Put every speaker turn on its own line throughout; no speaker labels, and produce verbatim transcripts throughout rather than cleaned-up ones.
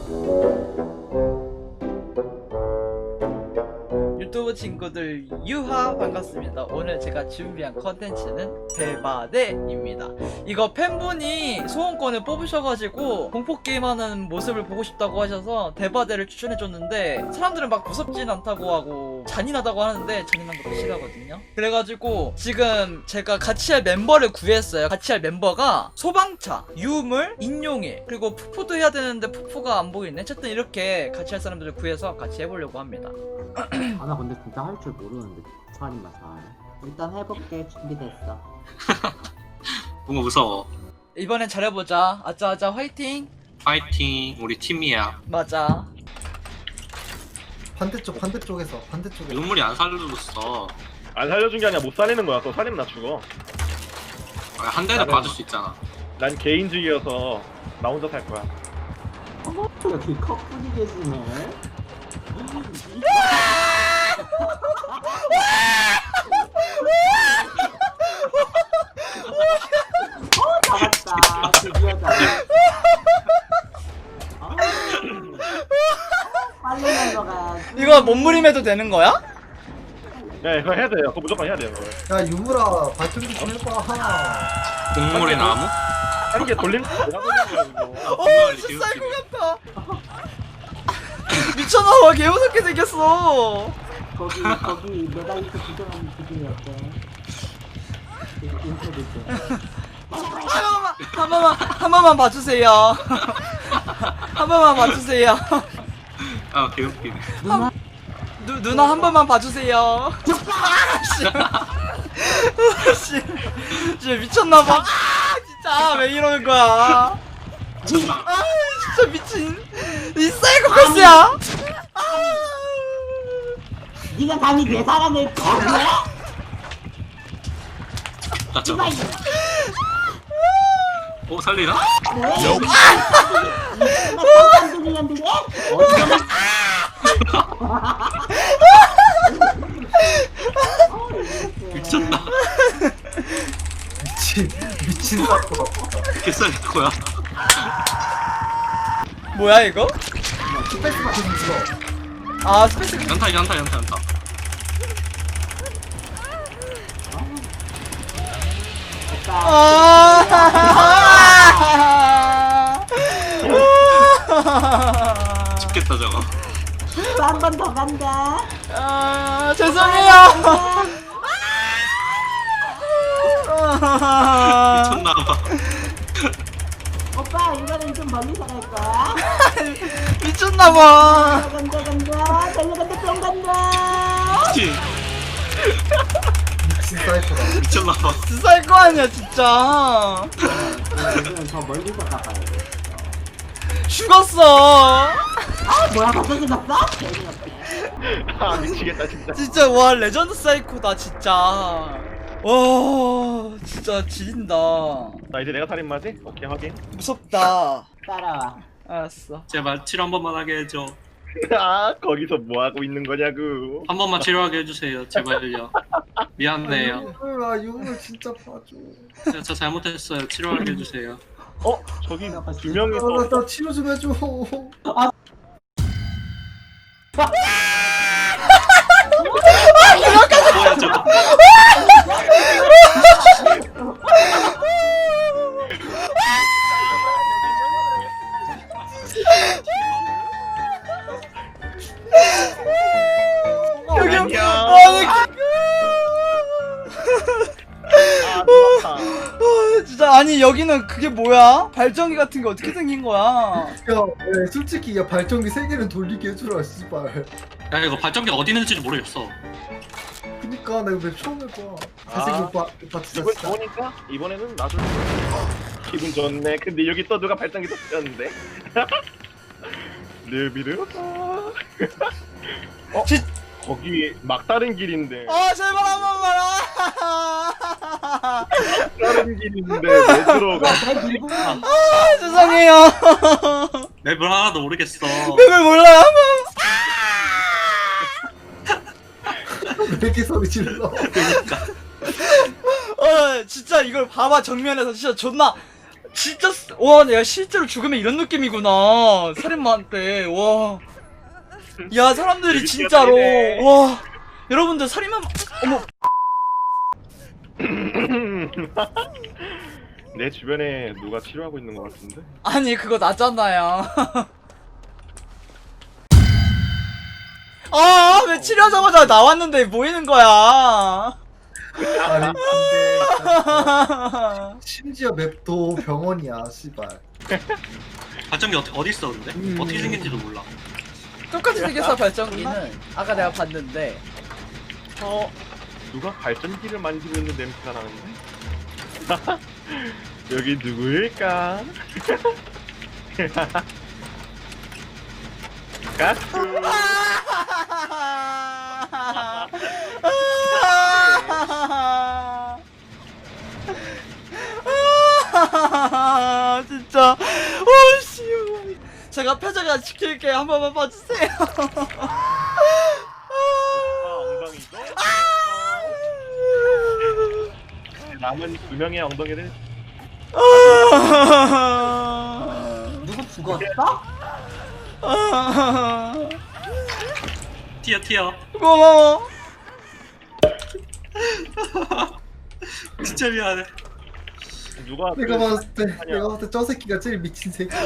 유튜브 친구들 유하 반갑습니다. 오늘 제가 준비한 컨텐츠는 대바대입니다. 이거 팬분이 소원권을 뽑으셔가지고 공포게임하는 모습을 보고 싶다고 하셔서 대바대를 추천해줬는데 사람들은 막 무섭진 않다고 하고 잔인하다고 하는데 잔인한 것도 싫어하거든요. 그래가지고 지금 제가 같이 할 멤버를 구했어요. 같이 할 멤버가 소방차, 유물, 인용일, 그리고 푸푸도 해야 되는데 푸푸가 안 보이네. 어쨌든 이렇게 같이 할 사람들을 구해서 같이 해보려고 합니다.
아, 나 근데 진짜 할 줄 모르는데 차림만 잘. 일단 해볼게. 준비됐어.
너무 무서워.
이번엔 잘해보자. 아짜아짜 화이팅.
파이팅. 우리 팀이야.
맞아.
반대쪽 반대쪽에서 반대쪽에
눈물이 안 살려줬어.
안 살려준 게 아니라 못 살리는 거야. 또 살리면 나 죽어.
아, 한 대도
나는-
받을 수 있잖아.
난 개인주의여서 나 혼자 살 거야.
어머, 여기 커플이 계시네. 어, 잡았다. 드디어 잡았다. 아, 빨리 날러가야지.
이거 몸부림해도 되는 거야?
네, 그거 해야 돼요. 그거 무조건 해야 돼요. 그거.
야 유물아 발전기 좀 해봐.
동물의 나무?
하는 게 돌림 내가 돌리는 거야 이거.
오
정말
진짜 쌀
개웃기네.
것 같아. 미쳤나봐. 개무섭게 생겼어.
거기 거기 메달리스트 구경하는 기분이 어때? 인터뷰 때.
한 번만 한 번만 한 번만 봐주세요. 한 번만 봐주세요.
아, 개웃기네.
누나
누, 누나 한 번만 봐주세요. 아씨, 씨, 진짜 미쳤나봐. 아, 진짜 왜 이러는 거야? 아, 진짜 미친. 이 사이코패스야. 아,
네가 감히 내 사람을 거부해?
나 저거. 오, 살리나?
깜둥이년들이
미쳤다.
미친 미친 사고.
개살릴 거야.
뭐야 이거?
스페이스 바튼 눌러.
아 스페이스.
연타, 연타, 연타, 연타.
아,
죽겠다, 저거.
한 번 더 간다.
아, 죄송해요.
미쳤나봐.
오빠 이번엔 좀 멀리서 갈 거야.
미쳤나봐.
간다 간다 달려간다 뿅 간다.
미친.
미친 사이코다.
미쳤나봐.
쌀 거 아니야 진짜.
이번엔 더 멀리서 가봐야 돼.
죽었어.
아 뭐야 갑자기 났어? 재미없게.
아 미치겠다 진짜.
진짜 와 레전드 사이코다 진짜. 와 진짜 지린다.
나 이제 내가 살인마지? 오케이 확인.
무섭다.
따라와.
알았어.
제발 치료 한 번만 하게 해줘.
아 거기서 뭐 하고 있는 거냐고.
한 번만 치료하게 해주세요. 제발요. 미안해요.
유물아 유물 진짜 봐줘.
제가 저 잘못했어요. 치료하게 해주세요.
어 저기 두 명이서.
아나 나 치료 좀 해줘.
뭐야, 저거.
여기
안녕.
아니
아 놀랍다.
아, 진짜 아니 여기는 그게 뭐야? 발전기 같은 게 어떻게 생긴 거야?
야 야, 솔직히 야 발전기 세 개는 돌리게 해주라 씨발.
야, 이거 발전기가 어디 있는지도 모르겠어.
그니까 나 이거 왜 처음 해봐.
아.
잘생긴 오빠 오빠 진짜
기분
진짜.
좋으니까 이번에는 나도 기분 좋네. 근데 여기 또 누가 발전기 터뜨렸는데. 르비르. 어?
지-
거기 막다른 길인데.
아 제발 한 번만. 아,
다른 길인데 왜 들어가?
내 밀고
아 죄송해요.
맵을 하나도 모르겠어.
맵을 몰라요.
왜 이렇게 소리 질러?
어 진짜 이걸 봐봐 정면에서 진짜 존나 진짜 쓰- 와 내가 실제로 죽으면 이런 느낌이구나 살인마한테. 와. 야 사람들이 진짜로 와 여러분들 살인마 어머
내 주변에 누가 치료하고 있는 것 같은데?
아니 그거 나잖아요. 아 왜 치료하자마자 나왔는데 모이는 거야.
아니 근데 심지어 맵도 병원이야 씨발.
발전기 어디 어디 있어 근데?
음.
어떻게 생긴지도 몰라.
똑같이 생겼어 발전기는. 아까 내가 봤는데.
어 누가 발전기를 만지고 있는 냄새가 나는데? 여기 누구일까? 가스.
진짜 오씨 제가 표정을 지킬게 한 번만 봐주세요.
엉덩이도. 남은 두 명의 엉덩이를
누구 죽었어?
튀어 튀어.
고마워.
진짜 미안해.
누가
내가
그-
봤을 때 내가 봤을 때 저 새끼가 제일 미친 새끼야.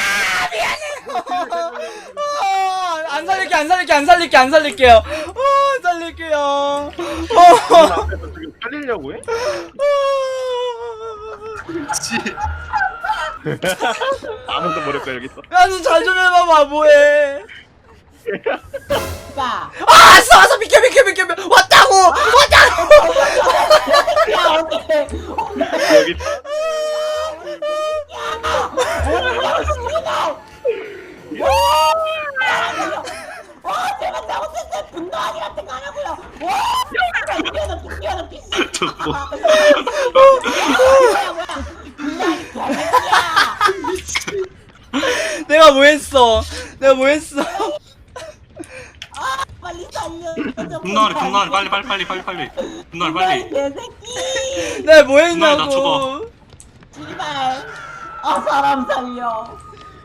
아, 안 살릴게 안 살릴게 안 살릴게 안 살릴게요. 어, 안 살릴게요.
눈
어.
앞에서 지금 살리려고 해? 아무도 모를 거야 여기 있어.
야너 잘좀 해봐봐 뭐해.
야,
아 왔어 왔어 비켜 비켜 비켜 비켜. 왔다고 왔다고.
야 어떡해.
여기 있어.
와, 제가 잘못했어요. 분노하기 같은 거 하라고요. 와, 뛰어넘, 뛰어넘, 뛰어넘.
저거.
분노하기 개새끼야.
내가 뭐했어 내가 뭐했어.
빨리 살려.
분노하리 분노하리 빨리 빨리 빨리 빨리 빨리. 분노하리 빨리.
개새끼.
내가
분노해, 나
뭐했냐고.
죽어.
제발. 아, 사람 살려.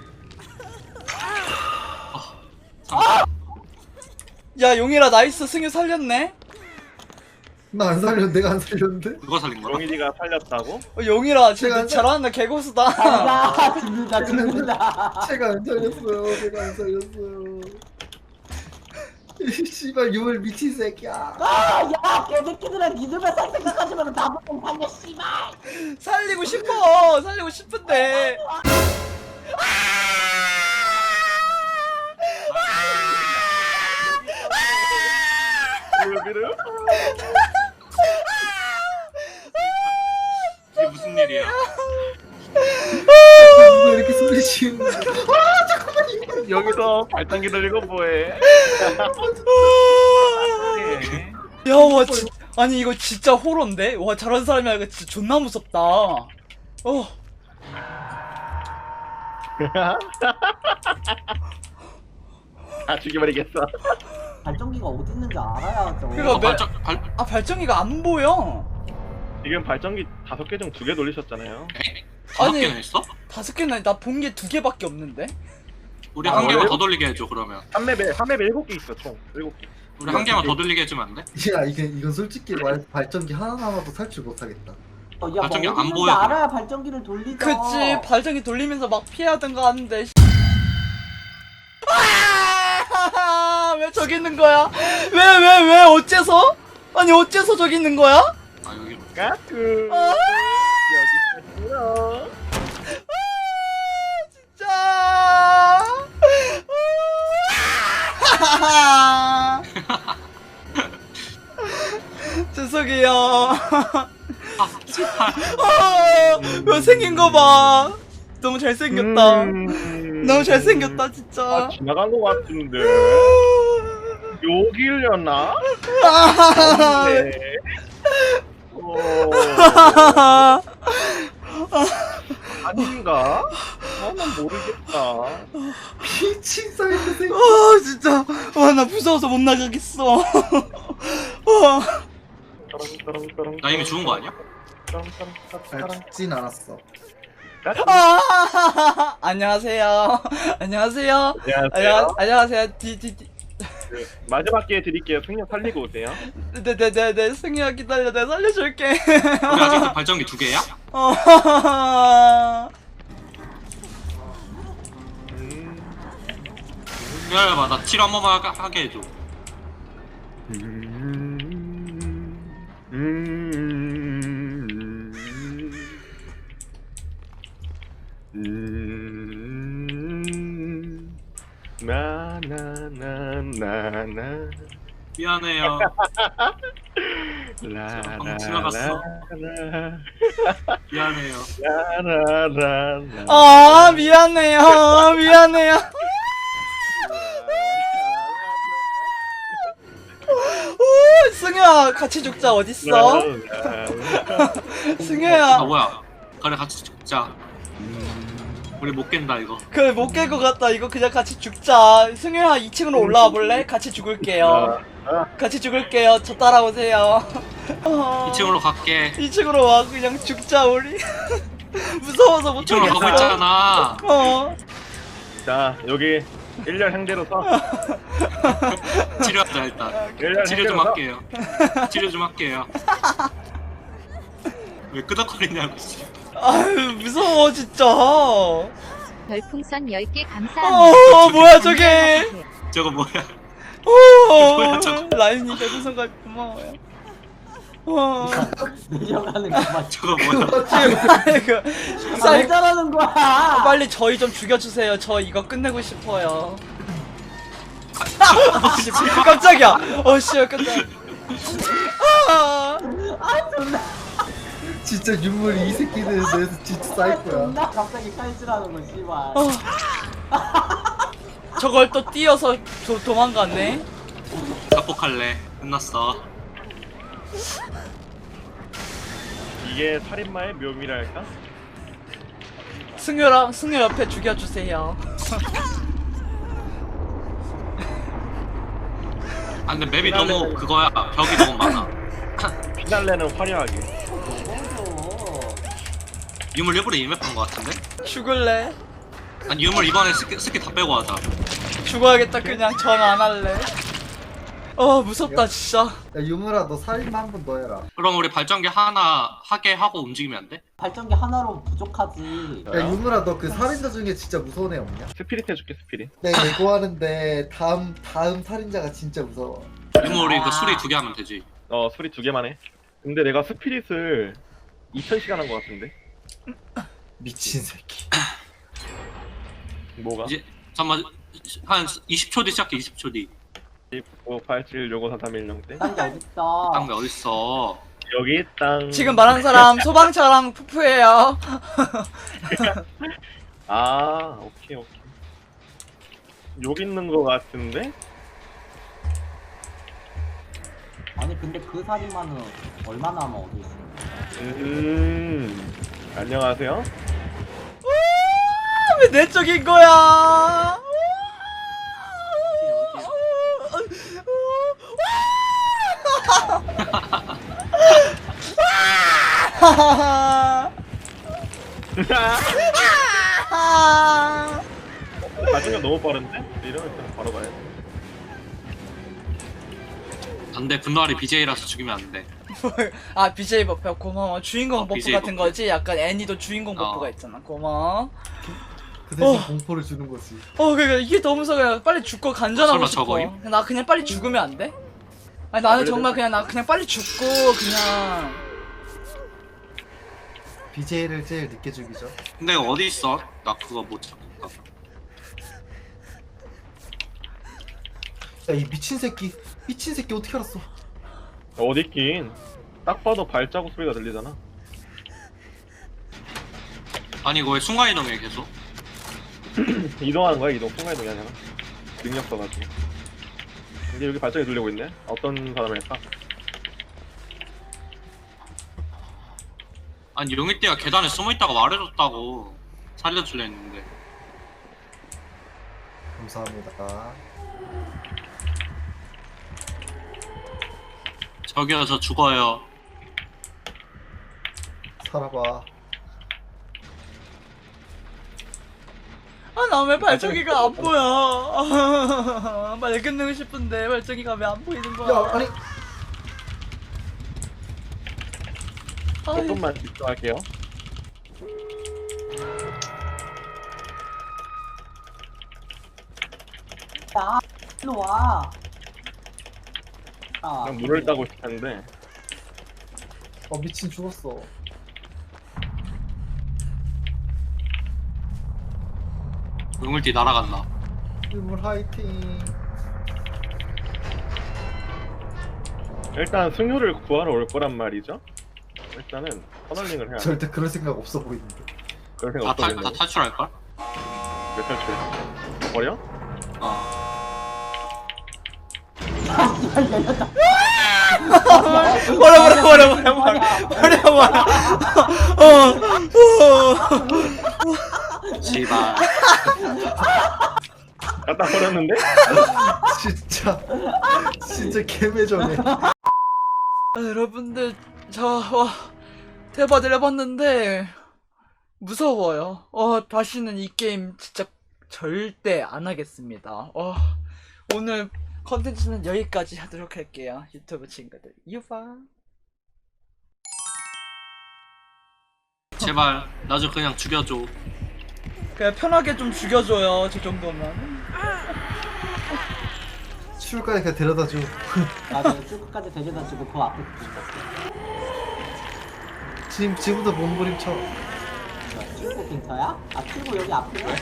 야 용이라 나이스 승유 살렸네.
나 안 살렸는데 내가 안 살렸는데.
누가 살린 거야?
용일이가 살렸다고?
어, 용이라 진짜
제가
잘하는다 개고수다.
아, 죽는다, 죽는다.
제가 안 살렸어요. 제가 안 살렸어요. 이 씨발 유물 미친 새끼야.
아, 야, 개새끼들아, 니들만 살 생각하지 말고 나보고 살려, 씨발.
살리고 싶어 살리고 싶은데.
여기를?
이게 무슨 일이야?
왜 이렇게 소리 지르는 거야?
여기서 발전기 들리고 뭐해?
야, 와, 진 아니, 이거 진짜 호러인데? 와, 저런 사람이 아니라 진짜 존나 무섭다. 어.
다 죽여버리겠어.
발전기가 어디 있는지 알아야죠.
그거
어,
매-
발전 발
아, 발전기가 안 보여.
지금 발전기 다섯 개 중 두 개 돌리셨잖아요.
다섯
아니.
개나 했어?
다섯 개나, 나 본 게 두 개밖에 없는데?
우리
아,
한 개만
그래요?
더 돌리게 해줘 그러면.
한 맵에 한 맵에 일곱 개 있어 총 일곱 개.
우리 한 개만 더 돌리게 해주면 안 돼?
야 이게 이건 솔직히 말 발전기 하나 남아도 탈출 못하겠다.
어, 야,
발전기
뭐
안
어디
보여,
있는지 알아야 발전기를 돌리죠.
그치, 발전기 돌리면서 막 피하든가 하는데. 아, 왜 저기 있는 거야? 왜, 왜, 왜, 어째서? 아니, 어째서 저기 있는 거야?
아 여기.
까투.
아,
여기 있어.
진짜. 죄송해요.
아 제발.
아, 왜 생긴 거 봐. 너무 잘생겼다.
음.
너무 잘생겼다,
아
진짜.
지나간 것 같은데. 여기려나?
아,
네. 어, 아닌가? 아, 난 모르겠다.
미친 사이드 새끼.
아, 진짜. 와, 나 무서워서 못 나가겠어. 와.
나 이미 죽은 거 아니야?
아, 죽진 않았어.
아, 안녕하세요. 안녕하세요.
안녕하세요.
안녕, 안녕하세요. 디디디.
그, 마지막 기회 드릴게요. 승려 살리고 오세요.
네네네네. 승희야 기다려. 내가 살려줄게.
우리 아직도 발전기 두 개야?
어.
음,
기다려봐, 나 칠 한 번만 하- 하게 해줘.
음, 음, 음, 나나나나나
미안해요.
라라라
지나갔어. 미안해요.
라라라
아 미안해요. 미안해요. 오, 승희야 같이 죽자. 어딨어? 승희야.
아 뭐야? 그래 같이 죽자. 우리 못 깬다 이거.
그래 못 깰 것 같다. 이거 그냥 같이 죽자. 승희야 이 층으로 올라와 볼래? 같이 죽을게요. 같이 죽을게요. 저 따라오세요. 어,
이 층으로 갈게.
이 층으로 와. 그냥 죽자 우리. 무서워서 못
이 층으로 가고
하겠어.
있잖아.
어.
자 여기 일렬 향대로 서
치료하자 일단.
일렬
치료 좀
향대로 서
할게요. 치료 좀 할게요. 왜 끄덕거리냐고 씨.
아유 무서워 진짜.
별풍선 열 개 감사합니다.
어 뭐야 저게.
저거 뭐야?
오
뭐야, 저거?
라인이 별풍선 가 고마워요. 어.
내려가는 거만.
저거 뭐야?
아이고
아, 왜
쌀
저러는 거야?
빨리 저희 좀 죽여주세요. 저 이거 끝내고 싶어요. 씨, 깜짝이야. 어씨 깜짝. 아,
아 존나.
진짜 윤물 이 새끼들 내에서 진짜 쌓일 거야.
존나 갑자기 칼질하는 거 씨발.
어. 저걸 또 뛰어서 도, 도망갔네.
자폭할래. 끝났어.
이게 살인마의 묘미랄까?
승효랑 승효 옆에 죽여주세요.
아 근데 맵이 너무 그거야. 벽이 너무 많아.
피날레는 화려하게.
뭐죠?
유물 일부러 이맵한 거 같은데?
죽을래?
아니 유물 이번에 스킬, 스킬 다 빼고 하자.
죽어야겠다. 그냥 전 안 할래. 어 무섭다 진짜.
야 유물아 너 살인마 한 번 더 해라.
그럼 우리 발전기 하나 하게 하고 움직이면 안 돼?
발전기 하나로 부족하지.
야 유물아 너 그 살인자 중에 진짜 무서운 애 없냐?
스피릿 해줄게 스피릿.
내가 예고하는데 다음 다음 살인자가 진짜 무서워.
유물 우리 그 수리 두 개 하면 되지.
어 소리 두 개만 해. 근데 내가 스피릿을 이천 시간 한 거 같은데.
미친 새끼.
뭐가?
이제 잠깐만 한 이십 초 뒤 시작해. 이십 초 뒤.
오 팔 칠 육오 사 삼 일 영 땡.
딴게 어딨어?
땅배 어딨어?
여기 땅.
지금 말한 사람 소방차랑 푸푸예요.
아 오케이 오케이. 여기 있는 거 같은데?
아니 근데 그 살인마는 얼마나 하면 얻을 수 있어?
음 안녕하세요.
왜 내 쪽인 거야?
나중에 너무 빠른데? 이러면 그냥 바로 가야 돼.
안돼 분노아리 비제이라서 죽이면 안 돼.
아 비제이 버프 고마워. 주인공
어,
버프
비제이
같은
버프.
거지? 약간 애니도 주인공
어.
버프가 있잖아. 고마워.
그 대신
어.
공포를 주는 거지.
어 그러니까 이게 너무 무서워. 빨리 죽고 간전하고
설마
싶어.
저거임?
나 그냥 빨리 죽으면 안 돼? 아니 나는 정말 그냥 나 그냥 빨리 죽고 그냥
비제이를 제일 늦게 죽이죠.
근데 어디 있어? 나 그거 못 찾겠다.
야 이 미친 새끼. 미친 새끼 어떻게 알았어?
어디 있긴. 딱 봐도 발자국 소리가 들리잖아.
아니 이거 왜 순간이동해 계속?
이동하는 거야 이동. 순간 이동이 아니라. 능력 써가지고. 근데 여기 발자국이 들리고 있네. 어떤 사람일까?
아니 용일대가 계단에 숨어있다가 말해줬다고 살려줄려 했는데.
감사합니다.
저기요 저 죽어요.
살아봐.
아, 나 왜 발전기가 안 보여? 아, 빨리 끝내고 싶은데 발전기가 왜 안 보이는 거야?
야 아니
아,
조금만 집중할게요.
야, 일로 와. 아,
그냥 물을 따고 싶었는데
어 미친 죽었어.
우물띠 날아간다.
유물 화이팅.
일단 승효를 구하러 올 거란 말이죠. 일단은 터널링을 해야 돼.
절대 그럴 생각 없어 보이는데.
그런
다,
생각
탈, 다
없거든요.
탈출할걸?
몇 탈출? 버려?
어.
버려 버려 버려 버려 버려 버려 버려. 어, 어.
씨발.
갖다 버렸는데?
진짜 진짜 개매정해.
아, 여러분들 저와 대바들 해봤는데 무서워요. 어 다시는 이 게임 진짜 절대 안 하겠습니다. 어 오늘 컨텐츠는 여기까지 하도록 할게요. 유튜브 친구들 유바.
제발 나 좀 그냥 죽여줘.
그냥 편하게 좀 죽여줘요. 저 정도면.
출구까지 그냥 데려다줘.
나도 출구까지 데려다 주고 그 앞에 붙였어.
지금 지금부터 몸부림쳐.
출구 근처야? 아, 출구 여기 앞이야?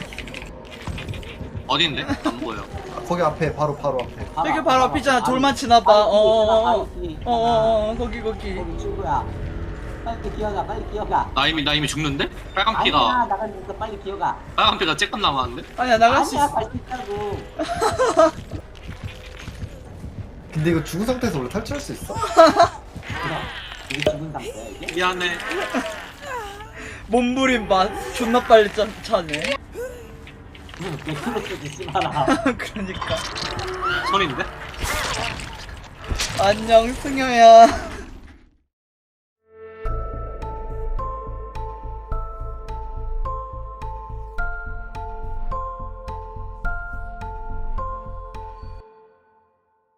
어딘데? 안 보여.
거기 앞에 바로 바로 앞에.
여기 바로 앞이잖아. 돌만 치나봐. 어어어. 어어어. 거기 거기.
거기 출구야. 빨리 기어가, 빨리 기어가.
나 이미 나 이미 죽는데? 빨간
아니야,
피가
나가니까 빨리 기어가.
빨간 피가 쬐끔 남았는데?
아니야 나갈 수
아니야,
있어.
갈 수 있다고.
근데 이거 죽은 상태에서 원래 탈출할 수 있어?
그럼 이게 죽은 상태야 이게?
미안해.
몸부림 맛 존나 빨리 짜, 차네.
그럼 왜 그렇게 주지 마라.
그러니까.
손인데?
안녕 승효야.